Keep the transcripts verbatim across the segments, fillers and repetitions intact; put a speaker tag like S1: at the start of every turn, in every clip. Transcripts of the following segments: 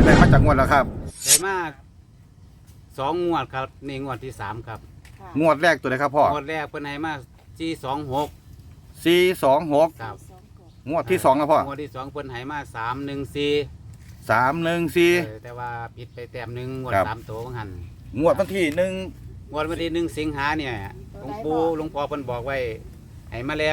S1: ได้มาจากงวดแล้วครับ
S2: ได้มาสองงวดครับนี่งวดที่สามครับ
S3: ค่ะ
S1: งวดแรกตัวไหนครับพ่อง
S2: วดแรกเพิ่นให้มาสี่สองหก
S1: สี่สองหก
S2: ครับ
S3: สองกบ
S1: งวดที่สองนะพ่อง
S2: วดที่สองเพิ่นให้มาสามหนึ่งสี่
S1: สามหนึ่งสี่
S2: แต่ว่าผิดไปแต้มหนึ่งงวด
S1: ครับ
S2: สามตัวของหัน
S1: งวดวันที่หนึ่ง
S2: งวดวันที่หนึ่งสิงหาเนี่ยหลวงปู่หลวงพ่อเพิ่นบอกไว้ให้มาแล้ว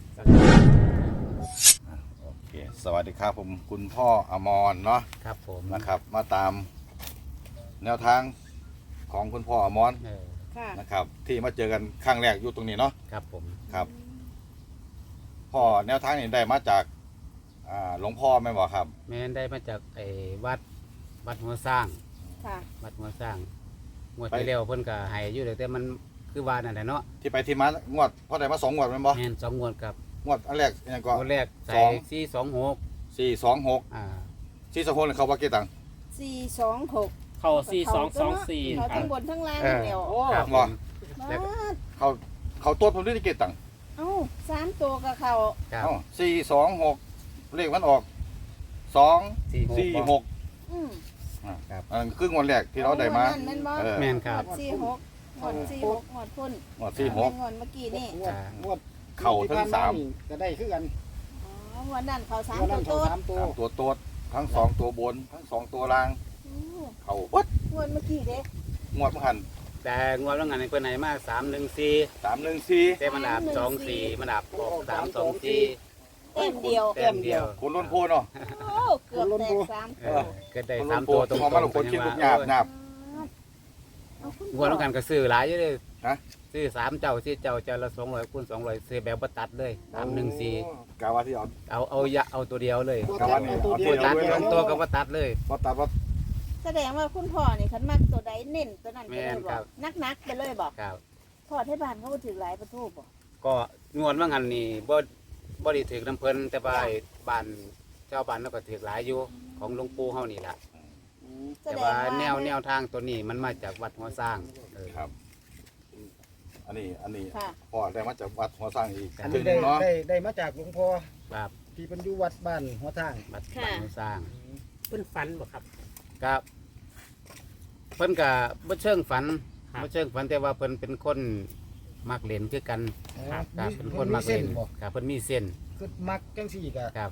S1: โอเคสวัสดีครับผมคุณพ่ออมรเนาะ
S2: ครับผม
S1: นะครับ มาตามแนวทางของคุณพ่ออมร
S2: เออ
S3: ค่ะ
S1: นะครับ ที่มาเจอกันครั้งแรกอยู่ตรงนี้เนาะ
S2: ครับผม
S1: ครับพ่อแนวทางนี้ได้มาจากอ่าหลวงพ่อไหมบอกครับ
S2: แม่นได้มาจากไอ้วัดวัดหัวสร้าง
S3: ค่ะ
S2: วัดหัวสร้างงวดที่แล้วเพิ่นก็ให้อยู่แต่มันคือว่านั่นแหละเนาะ
S1: ที่ไปที่มางวดพ่อได้มาสองงวดแมันบ่
S2: แม่นสองงวดครับ
S1: งวดอันแรกยังก็
S2: งวดแรกใส่
S1: สอง
S2: สี่สองหก
S1: สี่สองหก
S2: อ่า
S1: สี่สองหกเขาว่ากี่ตังค์
S3: สี่สองหก
S4: เข้าสี่สองสองสี่
S3: เขา
S4: ครั
S3: ทั้
S4: บ
S3: งบนทั้งล่าง
S2: เออ
S3: เดียว
S4: โอ้
S2: ครับ
S1: ว่า
S3: มาด
S1: เขาเขาตัวผมด้วยกี่ตังค์
S3: เอ้าสามตัวกับเขา
S2: ครับ
S1: เอ้าสี่สองหกเลขมันออกสอง
S2: สี่
S1: สี่หก
S3: อืม
S1: อันนั้นคืองวดแรกที่เราได้มา
S3: อนั่นแม่นบ่
S1: เออ
S2: แม่นครับ
S3: หมดสี่หกหมดสี่หกหมดพุ่น
S1: งวดสี่หก
S3: แม่นงวดเมื่อกี้นี่
S5: งวดงวด
S1: เข่าทั้งสาม
S5: ก็ได้คือกัน
S3: อ๋อวันนั้นเขาสาม
S5: งวด
S3: ตั
S5: นั้
S3: วน
S5: เขา
S3: โต๊ด
S5: สามตัว
S1: สามตัวโต๊ดทั้งสองตัวบน ทั้งสองตัวล่าง
S3: โอ้
S1: เข่าวัด
S3: งวดเมื่อกี้เด้
S1: งวดเมื่อหัน
S2: แต่งวดว่างานเพิ่นให้มาสามหนึ่งสี่
S1: สามหนึ่งสี่
S2: แต่มันอาบสองสี่มันอาบออกสามสองสี่
S3: เต็มเดียว
S2: แต้มเดียว
S1: คนล้นโพนเนาะ
S3: โอ้เกือบแตกสาม
S2: เอ
S3: ตัว
S2: อก็ได้
S1: คน
S2: สา
S1: ล้
S2: ม
S1: นโพ
S2: ตัวน ต
S1: ต
S2: ร
S1: รง งมาเราคนคิดลูกหยาบหยาบ
S3: เอาคุณ
S2: งวดต้องการก็ซื้อหลายอยู่เลย
S1: ฮะ
S2: ซื้อสามเจ้าซื้อเจ้าเจ้าละสองร้อยคูณสองร้อยซื้อแบบบ่ตัดเลยสามหนึ่งสี่
S1: กาว่าที่เอา
S2: เอาเอายะเอาตัวเดียวเลย
S5: ตัว
S1: กา
S5: ตั
S1: ว่า
S5: ด
S1: นี่
S5: ตัว
S1: เอา
S5: เดี
S1: ตั
S5: ยว ว
S2: ตัด
S1: เดียว
S2: สองตัวก็บ่ตัดเลย
S1: ว่าตัดว่า
S3: แสดงว่าคุณพ่อนี่คันมักตัวใดเน้นตัวนั้นไปเลย
S2: แม่น
S3: บ
S2: ครั
S3: อก
S2: บ
S3: นักๆไปเลยบอก
S2: ครับ
S3: พ่อที่บ้านเขาก็ถือหลายประตูบอก
S2: ก็งวดว่างานนี่บ่บ่ได้ถือน้ำเพิ่นแต่ว่าไอ้บ้านเจ้าบ้านเราก็ถือหลายอยู่ของหลวงปู่เฮานี่ล่ะ
S3: แส
S2: แต่
S3: ดง
S2: ว่า
S3: ว่า
S2: แนวแนวทางตัวนี้มันมาจากวัดหัวสร้างเออ
S1: ครับ อันนี้อันนี้
S3: ค่ะ
S1: พ่อได้มาจากวัดหัวสร้างอีก
S2: อั
S5: อัน
S1: ถึ
S5: นี้
S1: ง
S5: ได้
S1: เนาะ
S5: ได้ได้มาจากหลวงพ่อ
S2: ครับ
S5: ที่เป็นอยู่วัดบ้านหัวทาง
S2: วัดวัดหัวสร้าง
S4: เพิ่นฟันบ่ครับ
S2: ก็เพิ่นก็บ่เชิงฝัน
S4: ครับ
S2: บ่เชิงฝันแต่ว่าเพิ่นเป็นคนมักเล่นคือกัน
S5: ครับ
S2: ครับเป็นคน
S5: มี
S2: มัก
S5: เส้
S2: เล่
S5: น
S2: น
S5: บ่
S2: ครับเพิ่นมีเส้น
S5: คือมักจังสี่ก็
S2: ครับ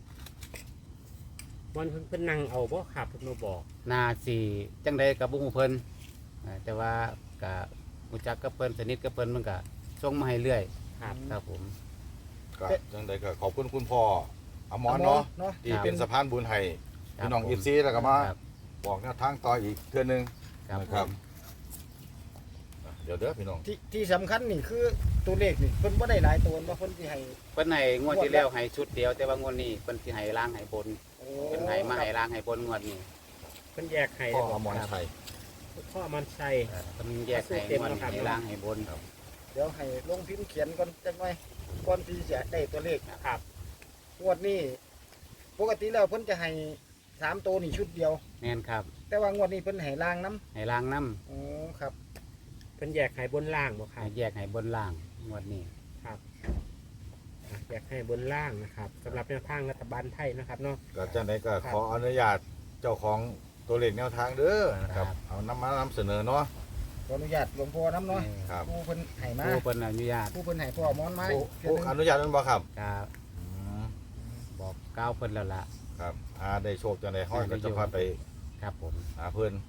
S4: วันเพิ่นเพิ่นนั่งเอาบ่ครับเพิ่นมาบอก
S2: นาสิจังใดก็บ่ฮู้เพิ่นอ่าแต่ว่าก็รู้จักกับเพิ่นสนิทกับเพิ่นมันก็ส่งมาให้เรื่อย
S4: ครับ
S2: ครับผม
S1: ก็จังใดก็ขอบคุณคุณพ่ออมรเนาะ
S5: เนาะ
S1: ที่เป็นสะพานบุญให้
S2: ครับ
S1: พี่น้อง
S2: ผม
S1: อีซีแล้วก็มา
S2: ครับ
S1: บอกแนวทางต่ออีกเทื่อนึง
S2: ครับ
S1: นะ
S2: ผ
S1: ครับ
S2: ม
S1: เดี๋ยวเด้อพี่น้อง
S5: ที่ที่สำคัญนี่คือตัวเลขนี่เพิ่นบ่ได้หลายตัวบ่เพิ่นสิให้
S2: เพิ่นให้งวดที่แล้วให้ชุดเดียว แต่ว่างวดนี้เพิ่นสิให้ล้างให้บน
S5: โอ้
S2: เพิ่นให้มาให้ล้างให้บนงวดนี้
S4: เพิ่นแยกให้
S1: พ่อ
S4: บ่
S1: อมรชัย
S4: พ่อมันชัย
S2: เออเพิ่นแยกให้งวดนี้ให้ล้างให้บน
S5: เดี๋ยวให้ลงพิมพ์เขียนก่อนจักหน่อยก่อนที่จะได้ตัวเลข
S4: ครับ
S5: งวดนี้ปกติแล้วเพิ่นจะให้สามตัวนี่ชุดเดียว
S2: แม่นครับ
S5: แต่ว่างวดนี้เพิ่นให้ล่างน้
S2: ให้ล้างน้ำ
S5: ำอ๋อครับ
S4: เพิ่นแยกให้บนล่างบ่ครั
S2: ให้
S4: บ
S2: แยกให้บนล่างงวดนี้
S4: ครับอ่ะแยกให้บนล่างนะครับสำหรับแนวทางรัฐบาลไทยนะครับเนาะ
S1: ก็จังใดก็ขออนุญาตเจ้าของตัวเลขแนวทางเด้อนะครับ เอานำมานำเสนอเนาะ
S5: ขออนุญาตหลวงพ่อน้ำเนาะ
S1: ครับ
S5: ผู้เพิ่นให้มา
S2: ผู้เพิ่นอนุญาต
S5: ผู้เพิ่นให้พ่อมอนไม้
S1: ผู้
S5: เทื่อ
S1: ผู้
S5: หนึ่ง
S1: อนุญาตนั้นบ่ครับ
S2: ก็
S1: อืม
S2: บอกกล่าวเพิ่นแล้วล่ะ
S1: ครับอาได้โชคจังใดห้อยก็จะพาไป
S2: ครับผม
S1: หาเพิ่น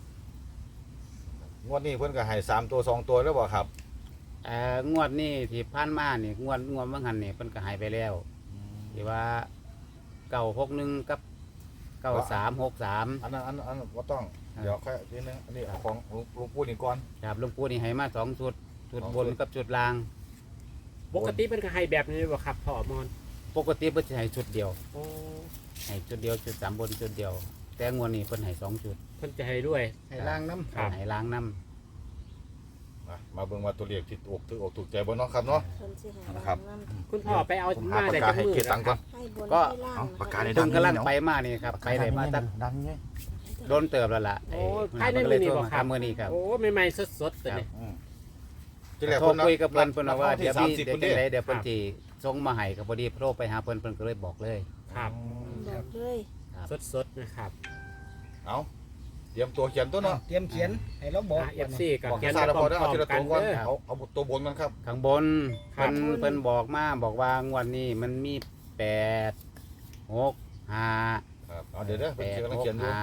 S1: งวดนี้เพิ่นก็ให้สามตัวสองตัวแล้วบ่ครับ
S2: เอ่องวดนี้ที่ผ่านมานี่งวดงวดเมื่อหันนี่เพิ่นก็ให้ไปแล้วที่ว่าเก้าหกหนึ่งกับเก้าสามหกสาม
S1: อันนั้นอันนั้นอันนั้นบ่ต้อง
S2: ครับ
S1: เดี๋ยวค่อยทีนึงอันนี้เอาของหลวงหลวงปู่นี่ก่อน
S2: ครับหลวงปู่นี่ให้มาสองชุดชุด
S1: สอง
S2: บ
S1: ชุ
S2: น
S1: ด
S2: กับชุดล่าง
S4: ปกติเพิ่นก็ให้แบบนี้บ่ครับพ่อมอน
S2: ปกติเพิ่นจะให้ชุดเดียว
S4: โอ้
S2: ให้ชุดเดียวชุดสามบนชุดเดียว แต่งวดนี้เพิ่นให้สองชุด
S4: เพิ่นจะให้ด้วย
S5: ให้ล่างน้ำ
S4: ครับ
S2: ให้ล้างน้
S1: นะมาเบิ่งว่าตัวเลขที่ถูกถูกอกถูกใจบ่เนาะครับเนาะ
S3: เพิ่นสิให้
S1: นะครับ
S3: น้ำ
S4: คุณพ่อไปเอา
S1: ผมหา
S4: มา
S1: ปาก
S4: ได้
S1: กา
S4: จัก
S1: ให้
S4: มือ
S1: เก็บตังค์ก่อน
S3: ให้บนให้ล่าง
S1: เอาปากกา
S3: นะ
S1: ใน
S2: ำ
S3: คะ
S2: เพิ่นกำลังไปมานี่ครับไปได้มาตั้ง
S1: ดังไง
S2: โดนเติบแล้วล่ะ
S4: โอ้
S2: ไอ้
S4: ภายใน
S2: เพิ่
S4: มือนี่
S2: โทร
S4: บ่
S2: มา
S4: ครับ
S2: มื้อนี้ครับ
S4: โอ้ใหม่ๆสดๆตัวนี้
S1: อืมที่แรก
S2: โทร
S1: เพิ่น
S2: คุยกับเพิ่นเพิ่นว่า
S1: ที่
S2: เดี๋ยว
S1: สาม
S2: พี่
S1: สิบ
S2: เดี๋ยว
S1: คน
S2: จั
S1: เด้
S2: งไดเดี๋ยวเพิ่นสิส่งมาให้ก็พอดีโทรไปหาเพิ่นเพิ่นก็เลยบอกเลย
S4: ครับ
S3: บอกเลย
S4: สดๆนะครับ
S1: เอาเตรียมตัวเขียนตัวเนาะ
S5: เตรียมเขียนให้เราบอก
S4: เอฟซีกับ
S1: บอก
S4: เขียน
S1: ซา
S4: ไป
S1: ด
S4: พ
S1: พอได้เอา
S4: ร้อม
S1: ทีละ
S4: ๆกั
S1: ตั
S4: น
S1: วก่อน
S4: เด้อ
S1: เอาเอาตัวบนกันครับ
S2: ข้างบน
S4: ครั
S2: เพิ่
S4: บ
S2: นเพิ่นบอกมาบอกว่างวดนี้มันมีแปดหกห้า
S1: ครับเอาเดี๋ยวเด้อ
S2: แป
S1: เพิ่น
S2: ด
S1: กำลัง
S2: หก
S1: เขียนอยู่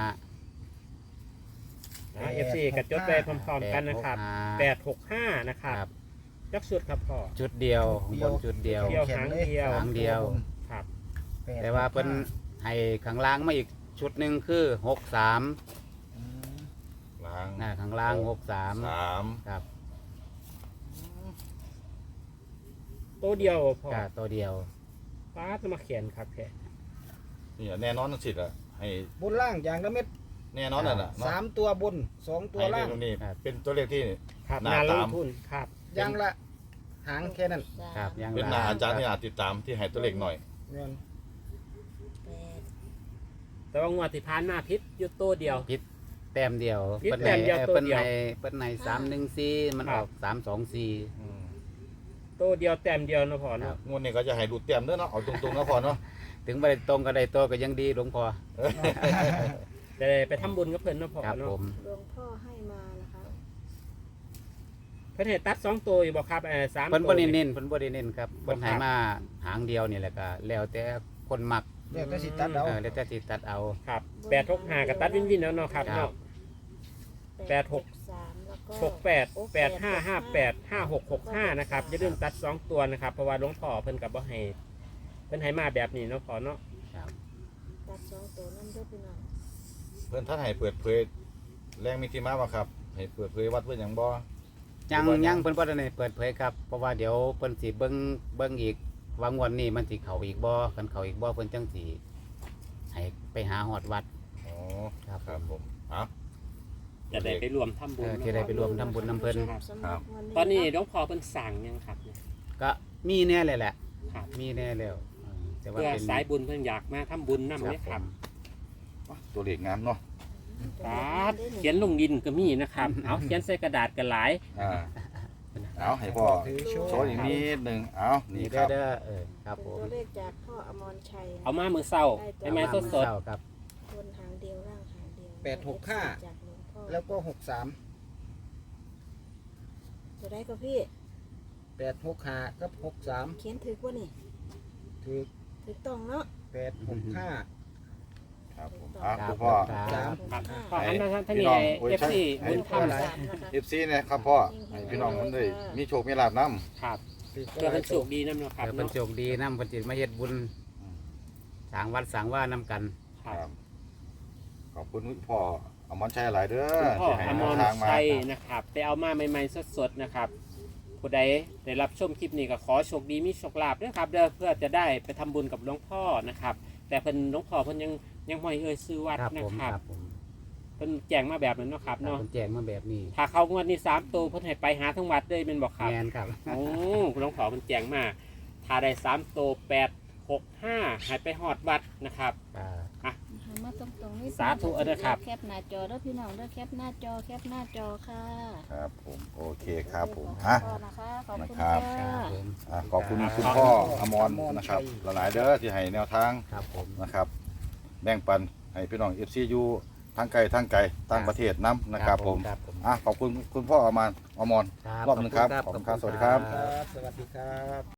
S2: ห้า
S4: เอฟซีกับจดไปพร้อมๆกันนะครับแปดหกห้านะครับ
S2: ครับ
S4: ยักษ์สุดครับพ่อ
S2: ชุดเดียวข้างบนชุดเดียว
S4: เดียวหางเดียว
S2: หางเดียว
S4: ครับ
S2: แต่ว่าเพิ่นให้ข้างล่างมาอีกชุดหนึ่งคือหกสาม
S5: อืม
S1: ล้าง
S2: นะข้างล่างหกสาม
S1: สาม
S2: ครับ
S4: ตัวเดียวพ่อ
S2: ก็ตัวเดียว
S4: ป้าจะมาเขียนครับแค่
S1: นี่แน่นอนทั้งสิทธิ์อ่ะให้
S5: บนล่างอย่างละเม็ด
S1: แน่นอนน่ะน่ะเนาะ
S5: สามตัวบนสองตัว
S1: ให้
S5: ล่า
S1: เรื่อง
S5: ง
S1: นี้เป็นตัวเลขที่
S4: ครับ
S1: หน้า
S4: นาล
S1: ตาง ม
S4: ทุนครับ
S5: อย่างละหางแค่นั้น
S2: ครับยัง
S1: เป็นหน้าอาจารย์ที่อาจติดตามที่ให้ตัวเลขหน่อย
S5: เงิน
S3: แปด
S4: แต่ว่างวดที่ผ่านมาพิษอยู่ตัวเดียว
S2: พิษแต้มเดียว
S4: พิษ
S2: เปิ้น
S4: แต้
S2: ให้
S4: มเดียวตัว
S2: เปิ้น
S4: เดียว
S2: ให้เปิ้นให้สามหนึ่งสี่มันออกสามสองสี่
S1: อืม
S4: ตัวเดียวแต้มเดียวนะพ่อ
S2: ครั
S4: เนาะ
S2: บ
S1: งวดนี้ก็จะให้ดูเต็มเด้อเนาะเอาตรงๆนะพอเนาะ
S2: ถึงไม่ได้ตรงก็ได้ตัวก็ยังดีหลวงพ่อ
S4: จะได้ไปทำบุญกับเพิ่นนะพ่อ
S2: ครับ
S4: เนาะ
S2: ผม
S3: หลวงพ่อให้มานะคะ
S4: เพิ่นให้ตัดสองตัวอยู่บ่ครับเออสาม
S2: เพิ่น
S4: ตั
S2: บ่
S4: ว
S2: ได้เน้นเพิ่นบ่ได้เน้นครับ
S4: บ่
S2: เพิ่นให้
S4: ครับ
S2: มาหางเดียวนี่แหละก็แล้วแต่คนมัก
S5: เรียกก็สิตัดเอา
S2: เออแล้วแต่สิตัดเอา
S4: ครับแปดหกห้ากับตัดวินวินแล้วเนาะครับ
S2: ครับ
S4: เนาะ แปดหก
S3: สามแล้วก็
S4: หกแปดแปดห้าห้าแปดห้าหกหกห้านะครับอย่าลืมตัดสองตัวนะครับเพราะว่าหลวงพ่อเพิ่นกับบ่ให้เพิ่นให้มาแบบนี้เนาะพ่อเนาะ
S2: ครับ
S3: ตัดสองตัวนั่นด้วยพี่น้อง
S1: เพิ่นท่านให้เปิดเผยแรงมีที่มาบ่ครับให้เปิดเผยวัดเพิ่นหยังบ่
S2: ยัง
S1: บ่ยัง
S2: ยังเพิ่นบ่ได้เปิดเผยครับเพราะว่าเดี๋ยวเพิ่นสิเบิ่งเบิ่งอีกว่างวดนี้มันสิเข้าอีกบ่คันเข้าอีกบ่เพิ่นจังสิให้ไปหาฮอดวัด
S1: อ๋อ
S2: ครับ
S1: ครับผมเอา
S4: จะได้ไปรวมทำบุญ
S2: เออที่ได้ไปรวมทำบุญนำเพิ่น
S3: สำหรับวั
S4: ตอนนี้หลวงพ่อเพิ่นสั่งยังครับเนี่ย
S2: ก็มีแน่เลยแหละ
S4: ครับ
S2: มีแน่แล้วเออแต่ว่า
S4: เพื่อ
S2: เป็น
S4: สายบุญเพิ่นอยากมาทำบุญนำเลยครับ
S1: ตัวเลขงามเนาะ
S4: ครับเขียนลงดินก็มีนะครับ เอาเขียนใส่กระดาษกันหลาย
S1: อ่าเอาให้พ่อ
S5: ถือโช
S1: โช
S5: ว์
S1: ว์อีกนิดหนึงเอานี่
S2: นี่
S1: ค
S2: เด้
S1: รั
S2: อบ เด้อเออครับผม
S3: ตัวเลขจากพ่ออมรชัย
S4: เอามามือเศร้าให้แม่สดสด
S2: เช้าครับ
S3: บนหางเดียวล่างหางเดียว
S5: แปดหกห้า
S3: จากหลวงพ่อ
S5: แล้วก็หกสาม
S3: จะได้ก็พี่
S5: แปดหกห้ากับหกสาม
S3: เขียนถือว่านี่
S5: ถือ
S3: ถือต้องเนาะ
S5: แปดหกห้า
S1: ครับผมอ่ะ
S2: ครับ
S1: คุณพ่อ
S5: สาม
S4: ครับ
S3: ห้า
S4: พ่ออันนั้นท่าน
S1: พี่
S4: นี่
S1: น้องโอ้ย
S4: เอฟซี
S1: ใช่
S4: บุญ
S3: สา
S4: ทำ
S3: มนะคะ
S1: เอฟซีเนี่ยครับพ่อให้พี่น้องมันได้มีโชคมีลาภนํ
S4: ครับ
S5: ถือ
S4: เพื่อเพิ่นโชคดีนำเนาะครับ
S2: เดี๋ยวเพิ่น
S4: เนาะ
S2: โชคดีนำเพิ่นสิมาเฮ็ดบุญสร้างวัดสร้างว่านํกัน
S4: ครับ
S1: ขอบคุณพ่ออมรชัยหลายเด้อ
S4: คุณพ่อ
S1: ที่ให้
S4: อ
S1: แน
S4: ม
S1: ว
S4: ร
S1: ทางมา
S4: ชัยนะครับไปเอามาใหม่ๆสดๆนะครับผู้ใดได้รับชมคลิปนี้ก็ขอโชคดีมีโชคลาภด้วยครับเด้อเพื่อจะได้ไปทำบุญกับหลวงพ่อนะครับ แต่เพิ่นหลวงพ่อเพิ่นยังยังไม่เอ่ยซื้อวัด
S2: ครับ
S4: นะ
S2: ผม
S4: ครับ
S2: ครับผม
S4: เพิ่นแจ้งมาแบบนั้นเนาะครับ
S2: ครับ
S4: เนาะ
S2: เพิ่นแจ้งมาแบบนี้
S4: ถ้าเขางวดนี้สามตัวเพิ่นให้ไปหาทั้งวัดเลยเป็นบอกครับ
S2: แม่นครับ
S4: โอ้หลวงพ่อเพิ่นแจ้งมาถ้าได้สามตัวแปดหกห้าให้ไปฮอดวัดนะครับ
S2: อ่า
S3: หันมาตรงๆนี่
S4: สาธุเด้อครับ
S3: แคปหน้าจอเด้อพี่น้องเด้อแคปหน้าจอแคปหน้าจอค่ะ
S1: ครับผมโอเคครับผม
S3: ขอบ
S1: ฮะ
S3: คุณนะคะขอบคุณ
S1: นะครับ
S3: ค่ะ
S2: ผม
S1: อ่ะขอบคุณคุณพ่ออมรนะครับหลายๆเด้อที่ให้แนวทาง
S2: ครับผม
S1: นะครับ แบ่งปันให้พี่น้อง เอฟ ซี อยู่ทางไกลทางไกลต่างประเทศนํนะครับผม
S2: ครับผม
S1: อ่ะขอบคุณคุณพ่ออมรอมร
S2: ครับ
S1: รอบหนึงครับ
S2: ข
S1: ข
S2: อ
S1: อ
S2: บบ คุ
S1: คุณ ณ
S2: ค
S1: ค
S2: รั
S1: รับ บสวัสดีครับ
S5: ครับ สวัสดีครับ